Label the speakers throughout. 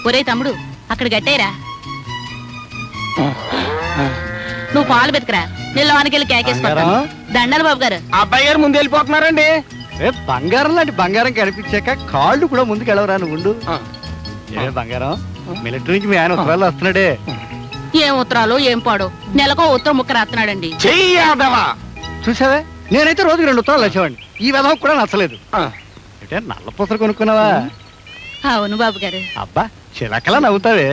Speaker 1: ఒరే తమ్ముడు అక్కడ గట్టేరా, నువ్వు పాలు బెతకరా, నిల్లవానికి కేకేసుకుంటా. దండాలి బాబు గారు.
Speaker 2: అబ్బాయి గారు ముందు వెళ్ళిపోతున్నారండి.
Speaker 3: బంగారం లాంటి బంగారం కనిపించాక కాళ్ళు కూడా ముందుకు వెళ్ళవరా నువ్వు. ఏ బంగారం, మిలిటరీ నుంచి మీ ఆయన ఉత్తరాలు వస్తున్నాడే.
Speaker 1: ఏం ఉత్తరాలు ఏం పాడు, నెలకో ఉత్తరం ముక్క రాస్తున్నాడండి.
Speaker 3: చూసావే, నేనైతే రోజుకి 2 ఉత్తరాలు వచ్చేవాడిని. ఈ విధం కూడా నచ్చలేదు. అంటే నల్ల పూసలు కొనుక్కున్నావా?
Speaker 1: అవును బాబు గారు.
Speaker 3: అబ్బా చిలకలా నవ్వుతావే.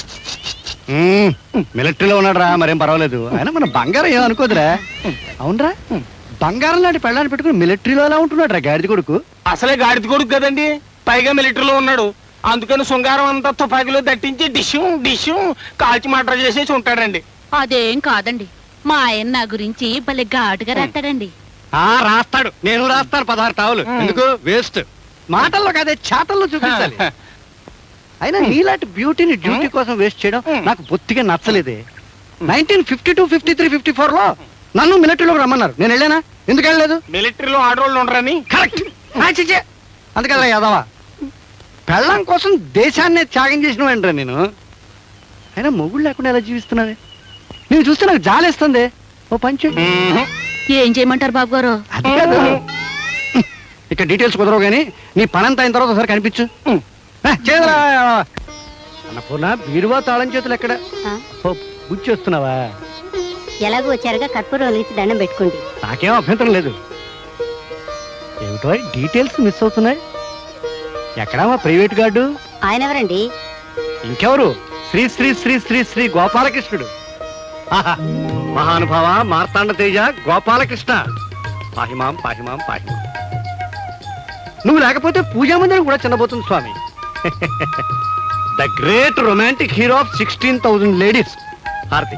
Speaker 3: మిలిటరీలో ఉన్నాడు రా, మరేం పర్వాలేదు. అయినా మన బంగారం ఏమనుకోదురా. అవునరా, బంగారం లాంటి పెళ్ళాన్ని పెట్టుకుని మిలిటరీలో ఎలా ఉంటున్నాడు రా గాడిద కొడుకు.
Speaker 2: అసలే గాడిద కొడుకు కదండి, పైగా మిలిటరీలో ఉన్నాడు. అందుకని శృంగారం అంతా తుపాకీలో దట్టించి డిష్యూ కాల్చి మటర్ చేసేసి ఉంటాడండి.
Speaker 1: అదేం కాదండి, మా ఆయన నా గురించి భలే ఘాటుగా రాస్తాడండి.
Speaker 3: రాస్తాడు, నేను రాస్తాను 16 టావులు. ఎందుకు వేస్ట్, మాటల్లో కాదే చేతల్లో చూపించాలి. అయినా నీలాంటి బ్యూటీని డ్యూటీ కోసం వేస్ట్ చేయడం నాకు బొత్తిగా నచ్చలేదే. 1952, 53, 54 లో నన్ను మిలిటరీలోకి రమ్మన్నారు. నేను వెళ్ళానా? ఎందుకు వెళ్ళలేదు?
Speaker 2: మిలిటరీలో ఆడవాళ్ళు ఉండరని.
Speaker 3: కరెక్ట్. అందుకదా యాదవా, పెళ్ళం కోసం దేశాన్నే త్యాగం చేసిన వెంటరా నేను. అయినా మొగుడు లేకుండా ఎలా జీవిస్తున్నావే? నేను చూస్తే నాకు జాలేస్తుంది. ఓ పంచు
Speaker 1: ఏం చేయమంటారు బాబు గారు?
Speaker 3: అది కాదు, ఇక డీటెయిల్స్ కుదరవు కానీ నీ పనంతా అయిన తర్వాత ఒకసారి కనిపించు. అన్నపూర్ణ, బీరువా తాళం చేతులు ఎక్కడ? గుచ్చేస్తున్నావా?
Speaker 4: ఎలాగో వచ్చారుగా కర్పూరం వెలిగించి దండం పెట్టుకోండి.
Speaker 3: నాకేం అభ్యంతరం లేదు. ఏమిటో డీటెయిల్స్ మిస్ అవుతున్నాయి. ఎక్కడా మా ప్రైవేట్ గార్డు?
Speaker 4: ఆయన ఎవరండి?
Speaker 3: ఇంకెవరు? శ్రీ శ్రీ శ్రీ శ్రీ శ్రీ గోపాలకృష్ణుడు. మహానుభావ మార్తాండ తేజ గోపాలకృష్ణ, పాహిమాం పాహిమాం పాహిమాం. నువ్వు లేకపోతే పూజా మందిరం కూడా చిన్నబోతుంది స్వామి. The great romantic hero of 16,000 ladies. హారతి.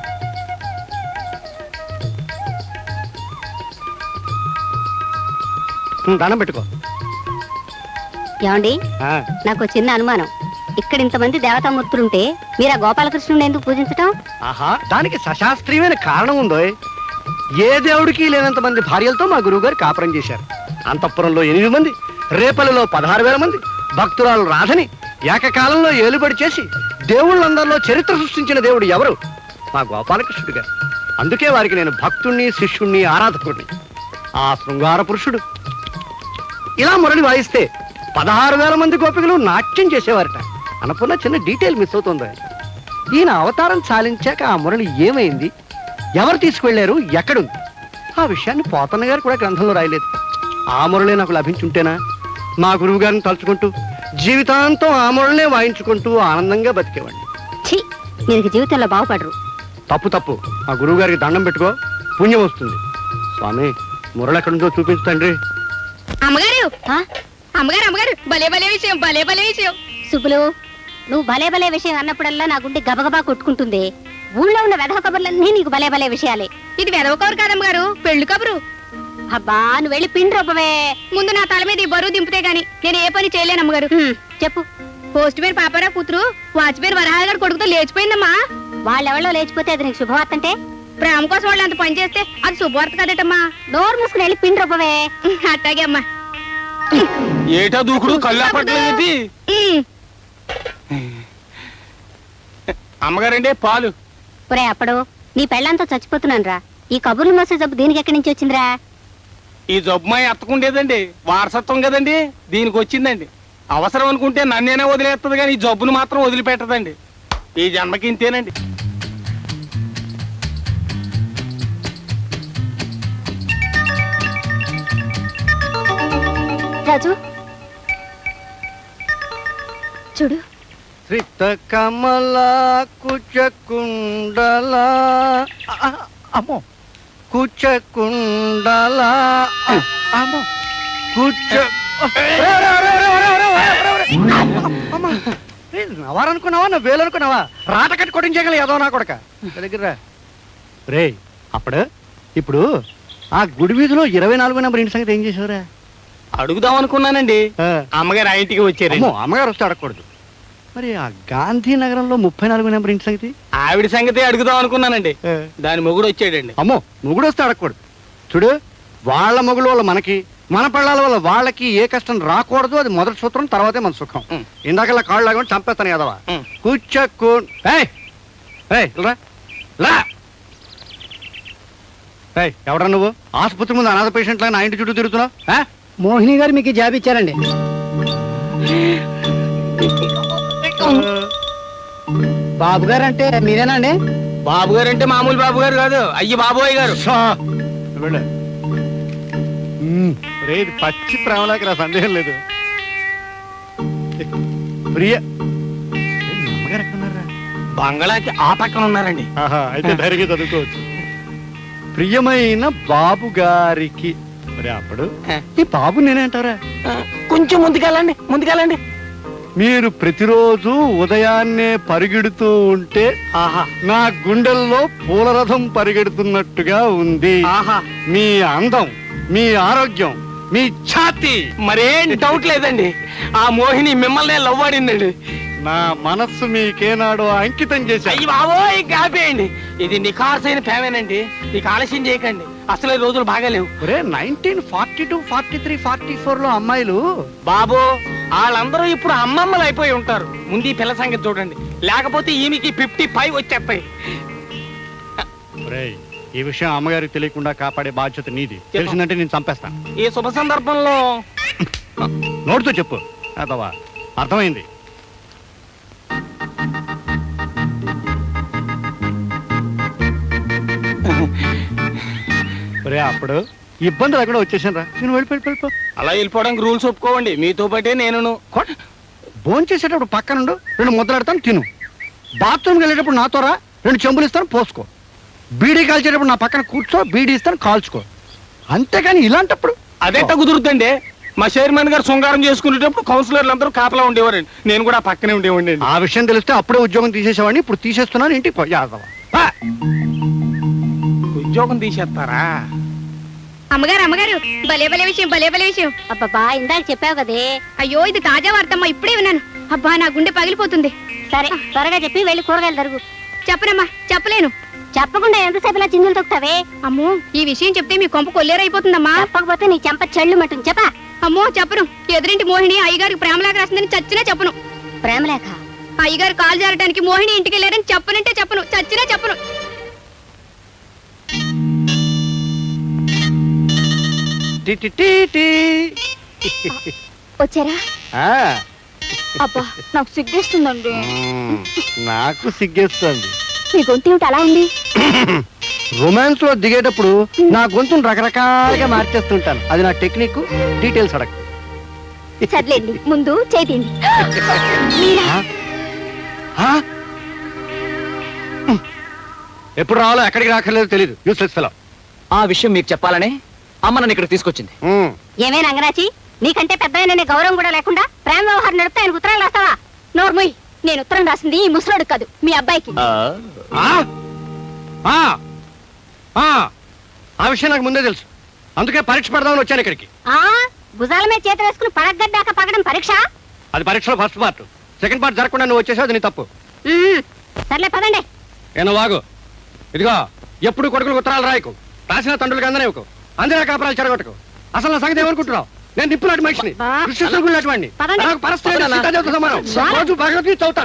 Speaker 3: దండం పెట్టుకో.
Speaker 4: ఏమండి, నాకు చిన్న అనుమానం. ఇక్కడ ఇంతమంది దేవతామూర్తులుంటే మీరు ఆ గోపాలకృష్ణుని ఎందుకు పూజించటం?
Speaker 3: ఆహా, దానికి సశాస్త్రీయమైన కారణం ఉందో. ఏ దేవుడికి లేనంత మంది భార్యలతో మా గురువు గారు కాపురం చేశారు. అంతఃపురంలో 8 మంది, రేపల్లిలో 16,000 మంది, భక్తురాలు రాధని ఏకకాలంలో ఏలుబడి చేసి దేవుళ్ళందరిలో చరిత్ర సృష్టించిన దేవుడు ఎవరు? మా గోపాలకృష్ణుడు గారు. అందుకే వారికి నేను భక్తుణ్ణి, శిష్యుణ్ణి, ఆరాధకుడిని. ఆ శృంగార పురుషుడు ఇలా మురళి వాయిస్తే 16,000 మంది గోపికలు నాట్యం చేసేవారట. అనుకున్న చిన్న డీటెయిల్ మిస్ అవుతుంది. ఈయన అవతారం చాలించాక ఆ మురళి ఏమైంది, ఎవరు తీసుకువెళ్లారు, ఎక్కడుంది, ఆ విషయాన్ని పోతన్న గారు కూడా గ్రంథంలో రాయలేదు. ఆ మురళి నాకు లభించుంటేనా మా గురువు గారిని తలుచుకుంటూ జీవితాంతం ఆ మురళినే వాయించుకుంటూ ఆనందంగా బతికేవాడిని.
Speaker 4: మీరు జీవితంలో బాగుపడరు.
Speaker 3: తప్పు తప్పు. ఆ గురువు గారికి దండం పెట్టుకో, పుణ్యం వస్తుంది. స్వామి, మురళి ఎక్కడుందో చూపించు తండ్రి.
Speaker 1: అమ్మగారు అమ్మగారు అమ్మగారు, భలే భలే విషయం, భలే భలే విషయం.
Speaker 4: సుబ్బులు, నువ్వు భలే భలే విషయం అన్నప్పుడల్లా నా గుండె గబగబా కొట్టుకుంటుంది. ఊళ్ళో ఉన్న వెధవ కబుర్లన్నీ నీకు భలే భలే విషయాలే.
Speaker 1: ఇది వెధవ కబురు కాదమ్మగారు, పెళ్లి కబురు.
Speaker 4: అబ్బా, నువ్వు వెళ్ళి పిండి రూపమే.
Speaker 1: ముందు నా తల మీద ఈ బరువు దింపితే గాని నేను ఏ పని చేయలేను అమ్మగారు.
Speaker 4: చెప్పు.
Speaker 1: పోస్ట్ పేరు పాపారావు కూతురు వాచ్పేరు వరహాగారు కొడుకుతో లేచిపోయిందమ్మా.
Speaker 4: వాళ్ళెవళ్ళో లేచిపోతే అది నీకు శుభవార్త అంటే?
Speaker 1: ప్రేమ కోసం వాళ్ళు అంత పని చేస్తే అది శుభవార్త కదటమ్మా.
Speaker 4: నోరు మూసుకుని వెళ్ళి పిండి రూపమే.
Speaker 1: అట్టాగే అమ్మా.
Speaker 2: ఏటా దూకుడు, కళ్ళు అప్పట్లేదు. అమ్మగారండి పాలు.
Speaker 4: ఒరే అప్పుడు, నీ పెళ్ళంతా చచ్చిపోతున్నాను రా. ఈ కబుర్లు మోసే జబ్బు దీనికి ఎక్కడి నుంచి వచ్చిందిరా?
Speaker 2: ఈ జబ్బుమాయి ఎత్తకుండేదండి, వారసత్వం కదండి, దీనికి వచ్చిందండి. అవసరం అనుకుంటే నన్నేనే వదిలేస్తుంది కానీ ఈ జబ్బును మాత్రం వదిలిపెట్టదండి. ఈ జన్మకి ఇంతేనండి.
Speaker 4: రాజు చూడు.
Speaker 3: శ్రీత కమల కుచకుండల, అమ్మో కుచకుండల, అమ్మో కుచ. నవారనుకున్నావా, నా వేలు అనుకున్నావా? రాట కట్టి కొట్టించగల ఏదో నా కొడక దగ్గర రే. ఇప్పుడు ఆ గుడి వీధిలో 24 నెంబర్ ఇంటి సంగతి ఏం చేసావురా?
Speaker 2: అడుగుదాం అనుకున్నానండి, అమ్మగారు ఆ ఇంటికి వచ్చారు.
Speaker 3: అమ్మగారు వస్తే అడగకూడదు. మరి ఆ గాంధీనగరంలో 34 నెంబర్ ఇంటి సంగతి?
Speaker 2: ఆవిడ సంగతి అడుగుదాం అనుకున్నానండి, దాని మొగుడు వచ్చాడండి.
Speaker 3: అమ్మో, మొగుడు వస్తే అడగకూడదు. చూడు, వాళ్ళ మొగుడు వాళ్ళ మనకి, మన పిల్లల వల్ల వాళ్ళకి ఏ కష్టం రాకూడదు, అది మొదటి సూత్రం, తర్వాతే మన సుఖం.
Speaker 2: ఉం.
Speaker 3: ఇందాకలా కాళ్ళు లాగా చంపేస్తాను కదవా.
Speaker 2: ఉం.
Speaker 3: కూర్చోకు. ఎవడా నువ్వు ఆసుపత్రి ముందు అనాథ పేషెంట్ లాగా నా ఇంటి చుట్టూ తిరుగుతున్నావు?
Speaker 5: మోహిని గారు మీకు ఈ జాబ్ ఇచ్చారండి. బాబు గారు అంటే మీరేనండి?
Speaker 2: బాబు గారు అంటే మామూలు బాబు గారు కాదు, అయ్యి బాబోయ్ గారు.
Speaker 3: ఇది పచ్చి ప్రేమలాకి నా సందేహం లేదు. ప్రియ అమ్మగారు ఎక్కడున్నారా?
Speaker 2: బంగళాకి ఆ పక్కన ఉన్నారండి.
Speaker 3: అయితే ధైర్యంగా చదువుకోవచ్చు. ప్రియమైన బాబు గారికి మరి అప్పుడు ఈ బాబు నేనేంటారా?
Speaker 2: కొంచెం ముందుకెళ్ళండి, ముందుకెళ్ళండి.
Speaker 3: మీరు ప్రతిరోజు ఉదయాన్నే పరిగెడుతూ ఉంటే
Speaker 2: ఆహా
Speaker 3: నా గుండెల్లో పూలరథం పరిగెడుతున్నట్టుగా ఉంది.
Speaker 2: ఆహా
Speaker 3: మీ అందం, మీ ఆరోగ్యం, మీ ఛాతి,
Speaker 2: మరేం డౌట్ లేదండి. ఆ మోహిని మిమ్మల్ని లవ్ ఆడిందండి.
Speaker 3: నా మనస్సు మీకేనాడో అంకితం చేశాయి.
Speaker 2: అయ్యి బాబోయ్ కాపేయండి. ఇది నిఖార్సైన ఫేమేనండి. నీకు ఆలస్యం చేయకండి, అసలు ఈ రోజులు బాగాలేవు.
Speaker 3: 1942, 43, 44 లో అమ్మాయిలు
Speaker 2: బాబు వాళ్ళందరూ ఇప్పుడు అమ్మమ్మలు అయిపోయి ఉంటారు. ముందు ఈ పిల్ల సంగతి చూడండి, లేకపోతే ఈమెకి 55 వచ్చేస్తాయి.
Speaker 3: ఒరేయ్, ఈ విషయం అమ్మగారికి తెలియకుండా కాపాడే బాధ్యత నీది. తెలిసిందంటే నేను చంపేస్తాను.
Speaker 2: ఈ శుభ సందర్భంలో
Speaker 3: నోటితో చెప్పు అదవా. అర్థమైంది. ఒరే అప్పుడు ఇబ్బంది లేకుండా వచ్చేసాను రా. నేను వెళ్ళిపో.
Speaker 2: అలా వెళ్ళిపోవడానికి రూల్స్ ఒప్పుకోవండి. మీతో పాటే నేను.
Speaker 3: భోజనం చేసేటప్పుడు పక్కనుండు, 2 ముద్దలాడతాను తిను. బాత్రూమ్కి వెళ్ళేటప్పుడు నాతో రా, 2 చెంబులు ఇస్తాను పోసుకో. బీడీ కాల్చేటప్పుడు నా పక్కన కూర్చో, బీడీ ఇస్తాను కాల్చుకో. అంతేగాని ఇలాంటప్పుడు
Speaker 2: అదెట్ట కుదురుతుందండి. మా చైర్మన్ గారు శృంగారం చేసుకునేటప్పుడు కౌన్సిలర్లు అందరూ కాపలా ఉండేవారండి. నేను కూడా పక్కనే ఉండేవాడిని.
Speaker 3: ఆ విషయం తెలిస్తే అప్పుడే ఉద్యోగం తీసేసేవాడిని. ఇప్పుడు తీసేస్తున్నాను. ఇంటికి పో యాదవ.
Speaker 2: ఉద్యోగం తీసేస్తారా?
Speaker 6: అమ్మగారు అమ్మగారు, భలే భలే విషయం, భలే భలే విషయం.
Speaker 4: అబ్బబ్బా ఇందాక చెప్పావు కదే.
Speaker 6: అయ్యో ఇది తాజా వార్తమ్మా, ఇప్పుడే విన్నాను. అబ్బా నా గుండె పగిలిపోతుంది.
Speaker 4: సరే త్వరగా చెప్పి వెళ్ళి కూరగాయలు తరుగు.
Speaker 6: చెప్పనమ్మా, చెప్పలేను.
Speaker 4: చెప్పకుండా ఎంతసేపు ఇలా చిందులు తొక్కుతావే?
Speaker 6: అమ్మో ఈ విషయం చెప్తే మీ కొంప కొల్లేరైపోతుందమ్మా.
Speaker 4: చెప్పకపోతే నీ చెంప చెళ్ళు మట్టును చెప్పా.
Speaker 6: అమ్మో చెప్పను. ఎదురింటి మోహిని అయ్యగారికి ప్రేమలేఖ రాసిందని చచ్చినా చెప్పను.
Speaker 4: ప్రేమలేఖ?
Speaker 6: అయ్యగారు కాలు జారడానికి మోహిని ఇంటికి వెళ్ళారని చెప్పనంటే చెప్పను, చచ్చినా చెప్పను. వచ్చారా? అబ్బా నాకు సిగ్గేస్తుందండి.
Speaker 3: నాకు సిగ్గేస్తుంది.
Speaker 6: మీ గొంతు ఏమిటి అలా ఉంది?
Speaker 3: రొమాన్స్ లో దిగేటప్పుడు నా గొంతును రకరకాలుగా మార్చేస్తుంటాను. అది నా టెక్నిక్. డీటెయిల్స్ అడగ.
Speaker 6: సర్లేండి, ముందు చేతింది.
Speaker 3: ఎప్పుడు రావాలో ఎక్కడికి రాకర్లేదో తెలియదు. Useless fellow.
Speaker 7: ఆ విషయం మీకు చెప్పాలనే అమ్మ నన్ను ఇక్కడ తీసుకొచ్చింది.
Speaker 4: ఏమే నంగరాచి, నీకంటే పెద్ద గౌరవం కూడా లేకుండా ప్రేమ వ్యవహారం నడిపితే ఆయన ఉత్తరాలు రాస్తావా? నోర్ముయ్, నేను ఉత్తరం రాసింది ఈ ముసలోడు కాదు, మీ అబ్బాయికి.
Speaker 3: ఆ విషయం నాకు ముందే తెలుసు. అందుకే పరీక్ష పెడదామని వచ్చాను ఇక్కడికి.
Speaker 4: భుజాల మీద చేతి వేసుకుని పడగడ్డాక పగడం పరీక్ష?
Speaker 3: అది పరీక్షలో ఫస్ట్ పార్ట్. సెకండ్ పార్ట్ జరగకుండా నువ్వు వచ్చేసావు, అది నీ తప్పు.
Speaker 4: సర్లే పదండి.
Speaker 3: ఏనో వాగు. ఇదిగో, ఎప్పుడు కొడుకులకు ఉత్తరాలు రాయకు, రాసిన తండ్రులకు అందనేవకు, అందిన కాపురాలు చెడగొట్టకు. అసలు నా సంగతి ఏమనుకుంటున్నావు? నేను నిప్పులాంటి మనిషిని, కృష్ణ వాడిని.
Speaker 4: పదండి.
Speaker 3: నాకు పరిస్థితి సమానం. రోజు భగవద్గీత చదువుతాను.